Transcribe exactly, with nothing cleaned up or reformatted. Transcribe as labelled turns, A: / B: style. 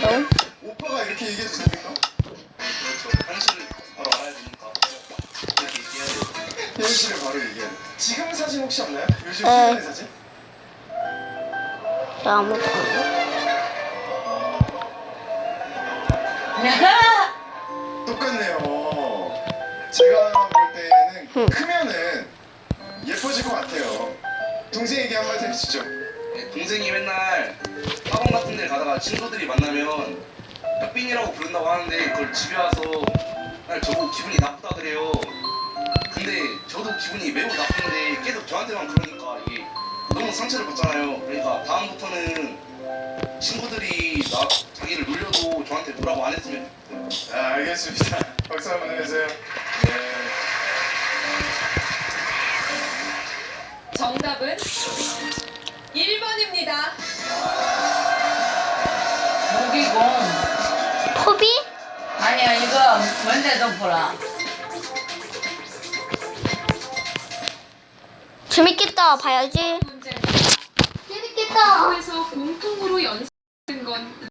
A: 바로.
B: 오빠가 이렇게 얘기해도 됩니까?
C: 그렇죠. 현실을 바로 알아야 되니까 이렇게 얘기해야 돼요.
B: 현실을 바로 얘기해야 돼. 지금 사진 혹시 없나요? 요즘
A: 에.
B: 최근의 사진?
A: 나 아무도 없네.
B: 똑같네요. 제가 볼 때는
A: 흠.
B: 크면은 예뻐질 것 같아요. 동생에게 한마디 해주시죠.
C: 네, 동생이 맨날 학원 같은 데 가다가 친구들이 만나면 뼈빈이라고 부른다고 하는데 그걸 집에 와서 맨날 저보고 기분이 나쁘다 그래요. 근데 저도 기분이 매우 나쁜데 계속 저한테만 그러니까 이게 너무 상처를 받잖아요. 그러니까 다음부터는 친구들이 나 자기를 놀려도 저한테 뭐라고 안 했으면 좋겠어요.
B: 아, 알겠습니다. 박수 한번 해주세요. 네.
D: 정답은 일 번입니다.
E: 무기공.
A: 포비?
E: 아니야, 이거 먼저 좀 보라.
A: 재밌겠다. 봐야지.
D: 문제.
A: 재밌겠다.
D: 학교에서 공통으로 연습한 건